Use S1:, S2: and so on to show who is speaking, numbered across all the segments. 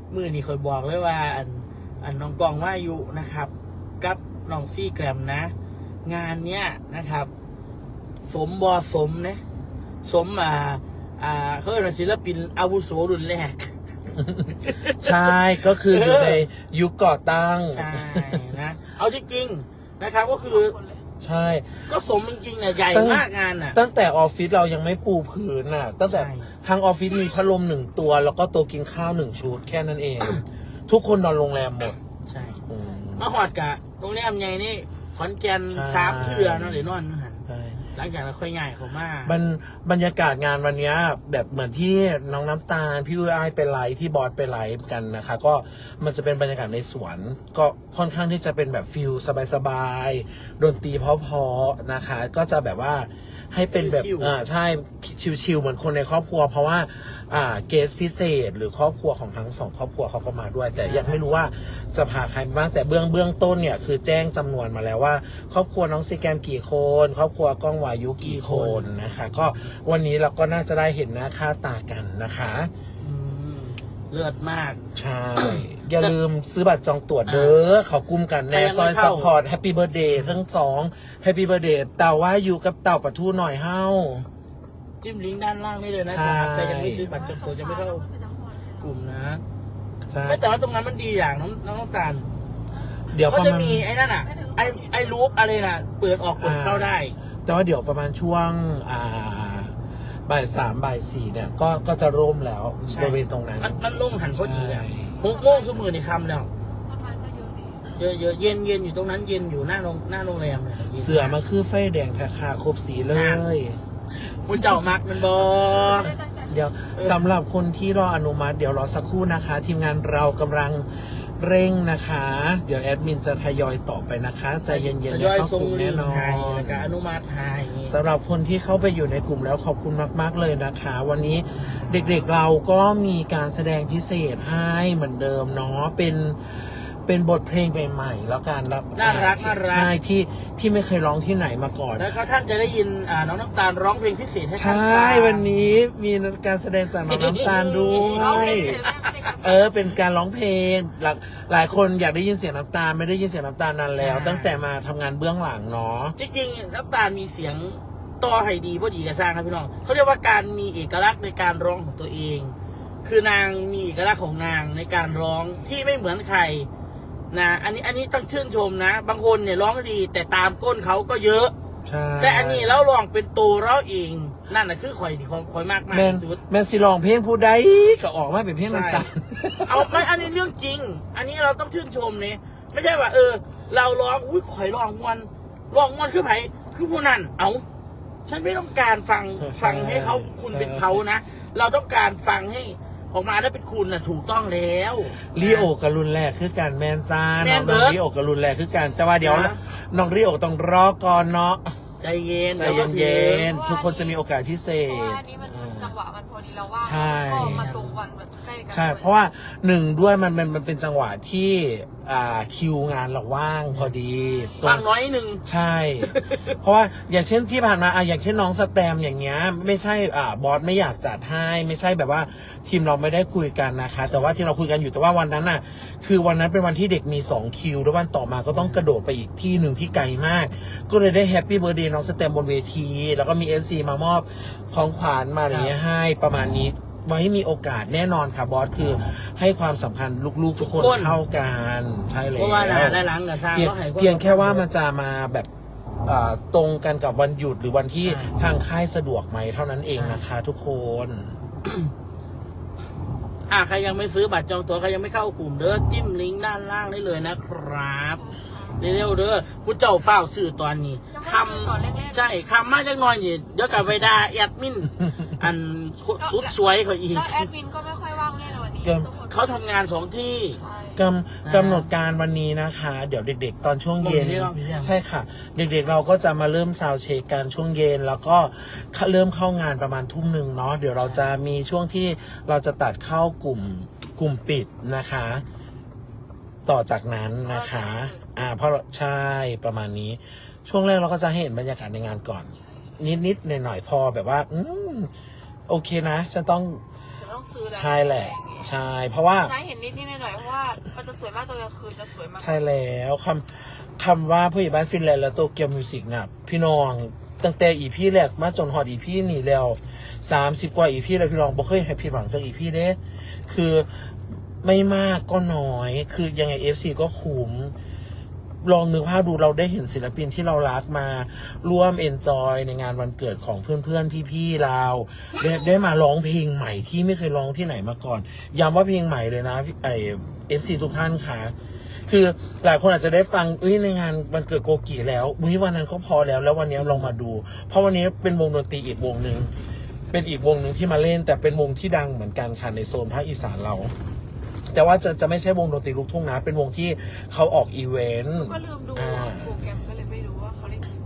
S1: มือนี่คอยบอกเลยว่าอันน้องกองว่าอยู่นะครับกับน้องซี่แกรมนะ งานเนี้ยนะครับ สมบอสมนะสมเขาเรียกว่าศิลปินอาวุโสรุ่นแรก
S2: ใช่ก็คืออยู่ในยุคก่อตั้ง
S1: ใช่นะเอาจริงๆนะครับก็คือ
S2: ใช่
S1: ก็สมจริงๆนะใหญ่มากงานน่ะ
S2: ตั้งแต่ออฟฟิศเรายังไม่ปูพื้นน่ะตั้งแต่
S1: ใช่
S2: ทางออฟฟิศมีพัดลม1 ตัว แล้วก็โต๊ะกินข้าว1 ชุดแค่นั้นเอง ทุกคนนอนโรงแรมหมด
S1: ใช่
S2: อืม
S1: มาหอดกะตรงนี้ทำไงนี่ขอนแก่น
S2: ใช่
S1: 3 เทื่อเนาะเดี๋ยวนอนหัน
S2: ใช่
S1: หลังจากนั้นค่อยง่ายเขามา
S2: บรรยากาศงานวันเนี้ยแบบเหมือนที่น้องน้ำตาลพี่อุ้ยอ้ายไปไลฟ์ที่บอสไปไลฟ์กันนะคะก็มันจะเป็นบรรยากาศในสวนก็ค่อนข้างที่จะเป็นแบบฟิลสบายๆดนตรีเพราะๆนะคะ ก็จะแบบว่าให้เป็นแบบใช่ชิลๆเหมือนคนในครอบครัว เพราะว่าเกสพิเศษหรือครอบครัวของทั้ง2 ครอบครัวเขาก็มาด้วย แต่ยังไม่รู้ว่าจะพาใครบ้างแต่เบื้องต้นเนี่ยคือแจ้งจำนวนมาแล้วว่า ครอบครัวน้องซีแกมกี่คนครอบครัวก้องวายุกี่คนนะคะก็วันนี้เราก็น่าจะได้เห็นหน้าค่าตากันนะคะ
S1: เลือดมาก
S2: ใช่ อย่าลืมซื้อบัตรจองตั๋วเด้อเขากุ้มกันแน่ซอยซัพพอร์ตแฮปปี้เบิร์ดเดย์ทั้ง2แฮปปี้เบิร์ดเดย์เต่าว่าอยู่กับเต่าปะทูหน่อยเฮ้า
S1: จิ้มลิงก์ด้านล่างนี่เลยนะ
S2: ใช่
S1: ครับแต่ยังไม่ซื้อบัตรจองตัวจะไม่เข้ากลุ่มนะ
S2: ใช่
S1: ไม่แต่ว่าตรงนั้นมันดีอย่างน้องตาล
S2: เดี๋ยว
S1: เขา
S2: ประ
S1: จะ
S2: มาณ
S1: มีไอ้นั่นอ่ะไอ้รูปอะไรน่ะเปิดออกเปิดเข้าได้
S2: แต่ว่าเดี๋ยวประมาณช่วงบ่าย 3บ่าย 4เนี่ยก็จะร่มแล้ว
S1: ใช่
S2: บริเวณตรงนั้น
S1: มันล่มหันพอดีอ่ะ
S2: ใช่
S1: 6 โมงสุมือในคำแล้ว
S3: ต้นไม้ก็เยอะดี
S1: เยอะเย็นอยู่ตรงนั้นเย็นอยู่หน้าโรงแรมเลยย็น
S2: เสือมาคือไฟแดงแทคาครบสีเลย
S1: คุณเจ้ามักมันบอ
S3: ไม่ได้ตั้งใจ
S2: เดี๋ยวสำหรับคนที่รออนุมัติเดี๋ยวรอสักครู่นะคะ ทีมงานเรากำลังเร่งนะคะ เดี๋ยวแอดมินจะทยอยต่อไปนะคะใจเย็นๆ
S1: ท
S2: นะ
S1: ยอย
S2: เข้า
S1: ส่ง
S2: กลุ่ม
S1: ลิ
S2: แน่
S1: ง
S2: นอ
S1: ก์ให้
S2: น
S1: แล้วก็อนุมัติให้
S2: สำหรับคนที่เข้าไปอยู่ในกลุ่มแล้วขอบคุณมากๆเลยนะคะ วันนี้เด็กๆเราก็มีการแสดงพิเศษให้เหมือนเดิมเนาะเป็นบทเพลงใหม่ๆแล้วกันรับ
S1: น่ารัก
S2: ใช่ที่ไม่เคยร้องที่ไหนมาก่อน
S1: แล้วก็ท่านจะได้ยินน้องน้ำตาลร้องเพลงพิเศษให้
S2: ใช
S1: ท่าน่ ฟัง
S2: วันนี้มีการแสดงจากน้องน้ำตาลด้ว
S3: ร้องเพล
S2: ย
S3: งเลยแม่ไม่ได้การ
S2: เป็นการร้องเพลงหลายคนอยากได้ยินเสียงน้ำตาลไม่ได้ยินเสียงน้ำตาลนานแล้ว ตั้งแต่มาทำงานเบื้องหลังเนาะ
S1: จริงๆน้ำตาลมีเสียงต่อให้ดีบ่ดีก็สร้างครับพี่น้องเขาเรียกว่าการมีเอกลักษณ์ในการร้องของตัวเอง คือนางมีเอกลักษณ์ของนางในการร้องที่ไม่เหมือนใครนะอันนี้ต้องชื่นชมนะ บางคนเนี่ยร้องดี แต่ตามก้นเขาก็เยอะ
S2: ใช่
S1: แต่อันนี้เราร้องเป็นตัวเราเองนั่นน่ะคือข่อยที่ข่อยมากมาก
S2: แมน
S1: ที่สุด
S2: แมนสิลองเพลงผู้ใดก็ออกมาเป็นเพลงน้ำตาล
S1: เอาไม่อันนี้เรื่องจริง อันนี้เราต้องชื่นชมเนี่ยไม่ใช่ว่าเราร้องอุ้ยข่อยร้องมวนคือไผคือผู้นั้นเอาฉันไม่ต้องการฟังให้เขาคุณเป็นเขานะเราต้องการฟังให้ออกมาได้เป็นคุณนะถูกต้องแล้ว
S2: ลีโอกับรุนแรกคือการแมนจ้า
S1: แม่
S2: น้อน ง
S1: เบิร์ด
S2: ลีโอกับรุนแรกคือการแต่ว่าเดี๋ยว
S1: นะ
S2: น้องลีโอต้องรอก่อนเนาะ
S1: ใจเย็น
S2: ใจ
S1: ดี๋วก็
S2: เย็
S1: ถึง
S2: นๆทุกคนจะมีโอกาสพิเศ
S3: เพราะว่า
S2: ษ
S3: อันนี้มันจังหวะมันพอดีเราว่า
S2: ใช่
S3: ก็มาตรงวันแบบใกล้กัน
S2: ใช่เพราะว่า1ด้วยมันเป็นจังหวะที่คิวงานเราว่างพอดีตร
S1: ฟังน้อยหนึ่ง
S2: ใช่ เพราะว่าอย่างเช่นที่ผ่านมาอย่างเช่นน้องสแตมอย่างเงี้ยไม่ใช่บอสไม่อยากจัดให้ไม่ใช่แบบว่าทีมเราไม่ได้คุยกันนะคะ แต่ว่าที่เราคุยกันอยู่แต่ว่าวันนั้นน่ะคือวันนั้นเป็นวันที่เด็กมี2คิวแล้ววันต่อมาก็ต้องกระโดดไปอีกที่หนึ่งที่ไกลมาก ก็เลยได้แฮปปี้เบิร์ดเดย์น้องสแตมบนเวทีแล้วก็มี FC มามอบของขวัญมาอย่างเงี้ยให้ประมาณนี้ไว้มีโอกาสแน่นอนค่ะบอสคือให้ความสำคัญลูกๆทุกคนเท่ากันใช่เลย
S1: เพราะว่าได้ล้างกับสร้างก็ให้
S2: เพียงแค่ว่ามันจะมาแบบตรงกันกับวันหยุดหรือวันที่ทางค่ายสะดวกไหมเท่านั้นเองนะคะทุกคน
S1: ใครยังไม่ซื้อบัตรจองตั๋วใครยังไม่เข้ากลุ่มเด้อจิ้มลิงก์ด้านล่างได้เลยนะครับเร็วๆเด้อผู้เจ้าเฝ้าซื้อตอนนี้คำใช่คำมาจากหน้อยนี่เดี๋ยวกลับไปด่าแอดมิน อันสุดสวยเขาอีก
S3: แล้วแอดมินก็ไม่ค่อยว่างแน่นอนวันนี้
S1: เขาทำงาน2 ที่
S3: ใช่
S2: กำหนดการวันนี้นะคะ เดี๋ยวเด็กๆ ตอนช่วงเย็น
S1: วันนี้รอบที่ยัง
S2: ใช่ค่ะ เด็กๆเราก็จะมาเริ่มซาวด์เช็คกันช่วงเย็น แล้วก็เริ่มเข้างานประมาณทุ่ม 1เนาะเดี๋ยวเราจะมีช่วงที่เราจะตัดเข้ากลุ่มปิดนะคะ ต่อจากนั้นนะคะเพราะใช่ประมาณนี้ ช่วงแรกเราก็จะให้เห็นบรรยากาศในงานก่อน นิดๆหน่อยๆพอแบบว่าโอเคนะฉันต้อง
S3: จะต้องซื้อแล้ว
S2: ใช่แหละ
S3: อย่างเงี้ย
S2: ใช่เพราะว่า
S3: ใช่เห็นนิดหน่อยๆเพราะว่ามันจะสวยมากตอนกลางคืนจะสวยมาก
S2: ใช่แล้วคำว่าผู้ใหญ่บ้านฟินแลนด์และโตเกียวมิวสิกน่ะพี่น้องตั้งแต่อีพีแรกมาจนฮอดอีพีนี่แล้ว30 กว่าอีพีแล้วพี่น้องบ่เคยให้ผิดหวังจากอีพีเด้คือไม่มากก็น้อยคือยังไง FC ก็คุ้มลองนึกภาพดูเราได้เห็นศิลปินที่เรารักมาร่วมเอนจอยในงานวันเกิดของเพื่อนๆพี่ๆเราได้มาร้องเพลงใหม่ที่ไม่เคยร้องที่ไหนมาก่อนย้ำว่าเพลงใหม่เลยนะFC ทุกท่านค่ะคือหลายคนอาจจะได้ฟังในงานวันเกิดโกกิแล้ววันนั้นก็พอแล้ววันนี้ลองมาดู เพราะวันนี้เป็นวงดนตรีอีกวงหนึ่งเป็นอีกวงหนึ่งที่มาเล่นแต่เป็นวงที่ดังเหมือนกันค่ะในโซนภาคอีสานเราแต่ว่าจะไม่ใช่วงดนตรีลูกทุ่งนะเป็นวงที่เขาออกอีเวนต์
S3: ก็ลืมดูโปรแกรมก็เลยไม่รู้ว่าเขาเล่นกี่โม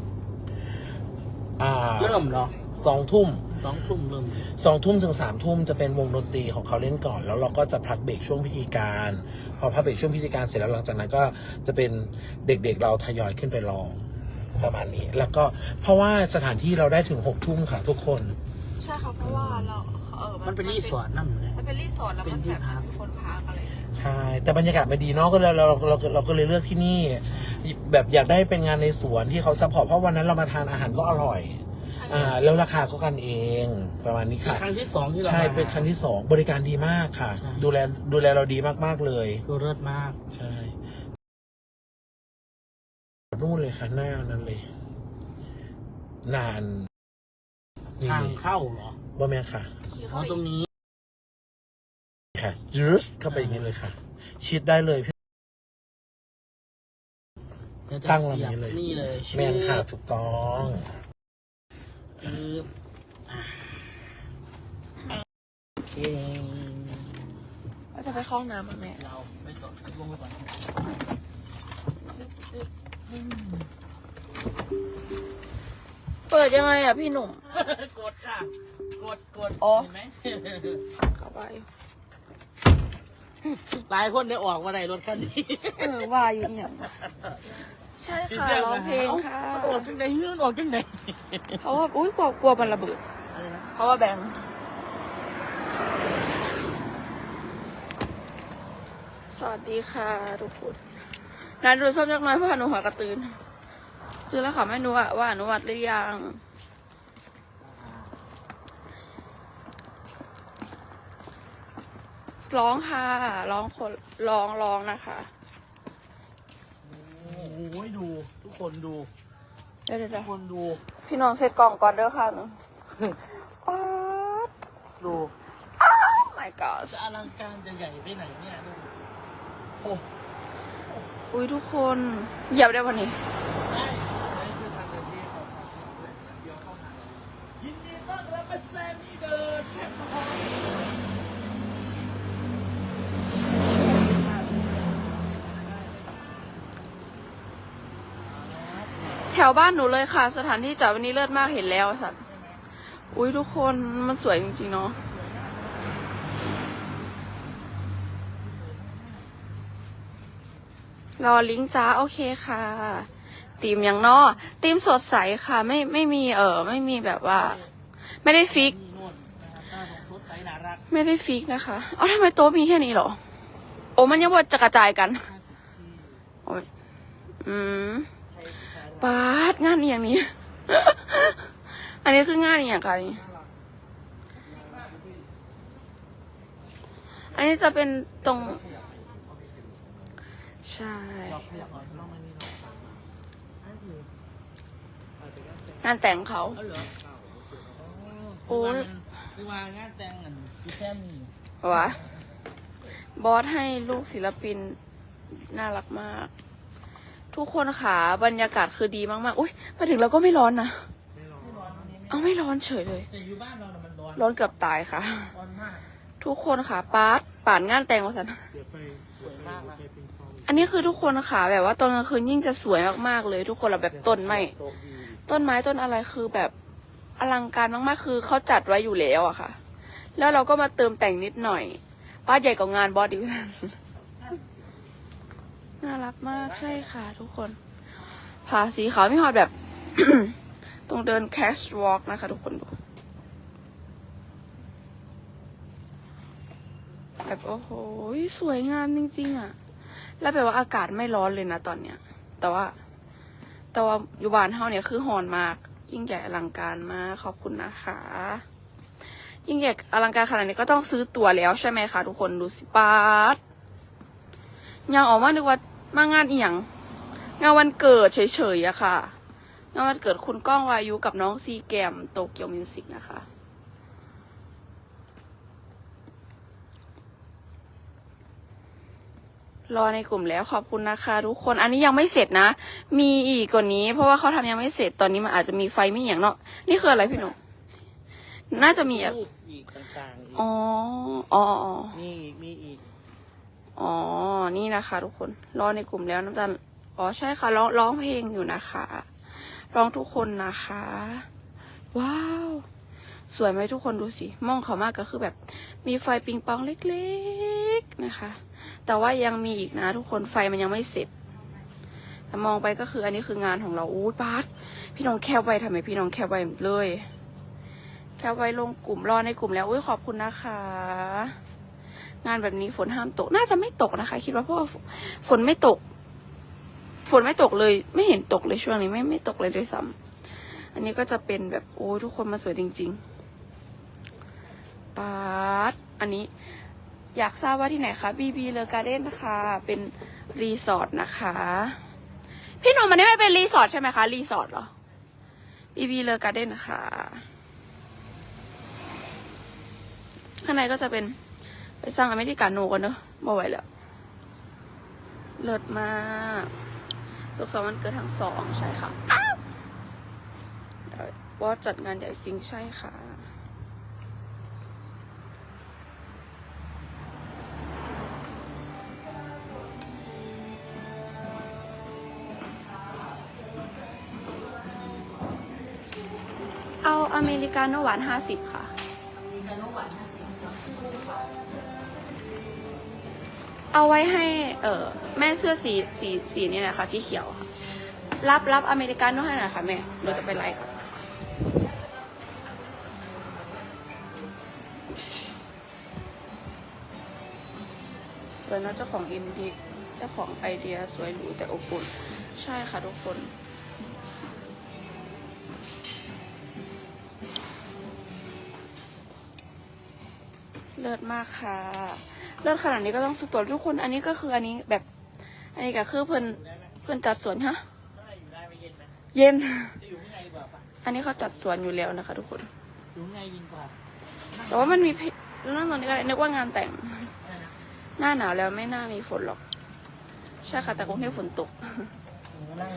S3: ง
S1: เริ่มเหรอ
S2: 2 ทุ่ม
S1: 2 ทุ่มเริ่ม
S2: 2 ทุ่มถึง3 ทุ่มจะเป็นวงดนตรีของเขาเล่นก่อนแล้วเราก็จะพักเบรกช่วงพิธีการพอพักเบรกช่วงพิธีการเสร็จแล้วหลังจากนั้นก็จะเป็นเด็กๆเราทยอยขึ้นไปร้องประมาณนี้แล้วก็เพราะว่าสถานที่เราได้ถึง6 ทุ่มค่ะทุกคน
S3: ใช่ค่ะเพราะว่าเรา
S1: มันเป็นรีสอร์ทนั่นเลย
S3: มันเป็นรีสอร์ทแล้วมันแบบมีคนพักอะไรอย่างเงี้ย
S2: ใช่แต่บรรยากาศไม่ดีเนาะก็เลยเราก็เลยเลือกที่นี่ แบบอยากได้เป็นงานในสวนที่เขาซัพพอร์ตเพราะวันนั้นเรามาทานอาหารก็อร่อยแล้วราคาก็กันเองประมาณนี้ค่ะ
S1: ครั้งที่ 2ที่เรา
S2: ใช่เป็นครั้งที่ 2บริการดีมากค่ะ
S1: ใช่
S2: ดูแลเราดีมากๆเลย
S1: คือเลิศมาก
S2: ใช่นู่นเลยค่ะหน้านั้นเลย นานนี่
S1: ทาง
S2: เลย
S1: เข้าเหรอ
S2: บ่แม่ค่ะ
S1: อ๋อตรงนี้
S2: ค่ะจูสเข้าไปอย่างนี้เลยค่ะ ชิดได้เลยพี่
S1: เดี๋ยวจะ
S2: ตั้ง
S1: เสียบ
S2: ลำนี้เลย
S1: นี่เลย
S2: แมนค่ะถูกต้อง
S1: โอเค
S3: ว่าจะไปเข้าห้องน้ำอ่ะแม่
S1: เราไม่สนลงไปก่อน
S3: เปิดยังไงอ่ะพี่หนุ่ม
S1: กดค่ะ กด
S3: อ๋อ
S1: เห็นไหม
S3: เข้าไป
S1: หลายคนได้ออกมาในรถคันนี้
S3: ว่าอยู่เนี่ยใช่ค่ะร้องเพลงค่ะ
S1: ออกจังไหนเฮือนออกจังไหน
S3: เพราะว่าอุ้ยกลัวมันระเบิด
S1: อะไรนะ
S3: เพราะว่าแบงค์สวัสดีค่ะทุกคนนายดูส้มยักษ์น้อยเพราะว่าหนูหัวกระตือนซื้อแล้วค่ะแม่หนูอะว่าหนูวัดหรือยังร้องค่ะร้องคนร้องนะคะ
S1: โอ้ยดู ทุกคนดู
S3: เดี๋ยว
S1: ทุกคนดู
S3: พี่น้องเสร็จกล่องก่อนเด้อค่ะหนูป๊าด
S1: ดู
S3: my god
S1: จะอลังการจะใหญ่ไปไหนเนี่ยดูโอ้
S3: อุ้ยทุกคนเหยียบได้วันนี้
S1: ได้นี่คือทางเดินที่เขาทำเลยเดี๋ยวเข้ามายินดีต้อนรับมาแซมมี่เดินแคมป์ฮอล
S3: แถวบ้านหนูเลยค่ะ สถานที่จอดวันนี้เลิศมากเห็นแล้วสัตว์อุ้ยทุกคนมันสวยจริงๆเนาะรอลิงก์จ้าโอเคค่ะธีมอย่างนอธีมสดใสค่ะไม่มีไม่มีแบบว่า ไม่ได้ฟิก
S1: นี่โน่นนะครับหน้าของชุดใสน่ารัก
S3: ไม่ได้ฟิกนะคะเอ้าทำไมโต๊ะมีแค่นี้เหรอโอ้มันยังว่าจะกระจายกันโอ้ยปาดงานอหย่างนี้ อันนี้คืองานอหย่างไรอันนี้จะเป็นตรงใช่ งานแต่งเขา
S1: เอาเหรอ
S3: โอ้ย
S1: คือว่างานแต่งกันพี่แซมมี่
S3: วะบอสให้ลูกศิลปินน่ารักมาก ทุกคนค่ะบรรยากาศคือดีมากๆอุ้ยมาถึงเราก็ไม่ร้อนนะ
S1: ไม่ร้อนวันนี้
S3: เอาไม่ร้อนเฉยเลย
S1: แต่อยู่บ้านเราน่ะมันร้อน
S3: ร้อนเกือบตายค่ะ
S1: ร้อนมาก
S3: ทุกคนค่ะป่านงานแต่งวะสัน
S1: สวยมากนะ
S3: อันนี้คือทุกคนค่ะแบบว่าตอนกลางคืนยิ่งจะสวยมากๆเลย ทุกคนเราแบบต้นไม้ต้นอะไรคือแบบอลังการมากๆคือเขาจัดไว้อยู่แล้วอะค่ะ แล้วเราก็มาเติมแต่งนิดหน่อยบ้านใหญ่กว่างานบอสดิวน่ารักมากใช่ค่ะทุกคนผาสีขาวไม่ฮอดแบบ ตรงเดินแคสวอล์กนะคะทุกคนดูแบบโอ้โหสวยงามจริงๆอ่ะแล้วแบบว่าอากาศไม่ร้อนเลยนะตอนเนี้ยแต่ว่าอยู่บ้านเฮาเนี่ยคือร้อนมากยิ่งใหญ่อลังการมากขอบคุณนะคะยิ่งใหญ่อลังการขนาดนี้ก็ต้องซื้อตั๋วแล้วใช่ไหมคะทุกคนดูสิปาดยังออกมานึกว่ามางานอีหยังงานวันเกิดเฉยๆอะค่ะงานวันเกิดคุณก้องวายุกับน้องซีแกมโตเกียวมิวสิกนะคะรอในกลุ่มแล้วขอบคุณนะคะทุกคนอันนี้ยังไม่เสร็จนะมีอีกกว่านี้เพราะว่าเขาทำยังไม่เสร็จตอนนี้มันอาจจะมีไฟไม่อย่างเนาะนี่คืออะไรพี่หนุ่มน่าจะมี
S1: รูปอีกต่างๆอีก
S3: อ๋อ
S1: นี่มีอีก
S3: อ๋อนี่นะคะทุกคนรอในกลุ่มแล้วน้ำตาลอ๋อใช่ค่ะร้องเพลงอยู่นะคะร้องทุกคนนะคะว้าวสวยไหมทุกคนดูสิมองเขามากก็คือแบบมีไฟปิงปองเล็กๆนะคะแต่ว่ายังมีอีกนะทุกคนไฟมันยังไม่เสร็จแต่มองไปก็คืออันนี้คืองานของเราอู้บาสพี่น้องแคปไว้ทำไมพี่น้องแคปไว้เลยแคปไว้ลงกลุ่มรอในกลุ่มแล้วอุ้ยขอบคุณนะคะงานแบบนี้ฝนห้ามตกน่าจะไม่ตกนะคะคิดว่าเพราะว่าฝนไม่ตกเลยไม่เห็นตกเลยช่วงนี้ไม่ตกเลยด้วยซ้ำอันนี้ก็จะเป็นแบบโอ้ทุกคนมาสวยจริงๆปาดอันนี้อยากทราบว่าที่ไหนคะบีเลอการ์เด้นนะคะเป็นรีสอร์ทนะคะพี่หนุ่มมันนี่ไม่เป็นรีสอร์ทใช่ไหมคะรีสอร์ทเหรอบีเลอการ์เด้นนะคะข้างในก็จะเป็นไปสร้างอเมริกาโน่กันเนอะบ่ไหวแล้วเลิศมากสุขสันต์วันเกิดทั้งสองใช่ค่ะว่าจัดงานใหญ่จริงใช่ค่ะเอาอเมริกาโน่หวาน50ค่ะเอาไว้ให้แม่เสื้อสีนี่แหละค่ะสีเขียวค่ะรับอเมริกาโน่ให้หน่อยค่ะแม่เราจะไปไลฟ์ค่ะสวยนะเจ้าของอินดี้เจ้าของไอเดียสวยหรูแต่อบอุ่นใช่ค่ะทุกคนเลิศมากค่ะเลิศขนาดนี้ก็ต้องสุดตัวทุกคนอันนี้ก็คืออันนี้แบบอันนี้ก็คือเพื่อนจัดสวนฮะเย็นอันนี้เขาจัดสวนอยู่แล้วนะคะทุกคนแต่ว่ามันมีนั่งตรงนี้ก็นึกว่างานแต่งหน้าหนาวแล้วไม่น่ามีฝนหรอกใช่ค่ะแต่กรุงเทพฝนตก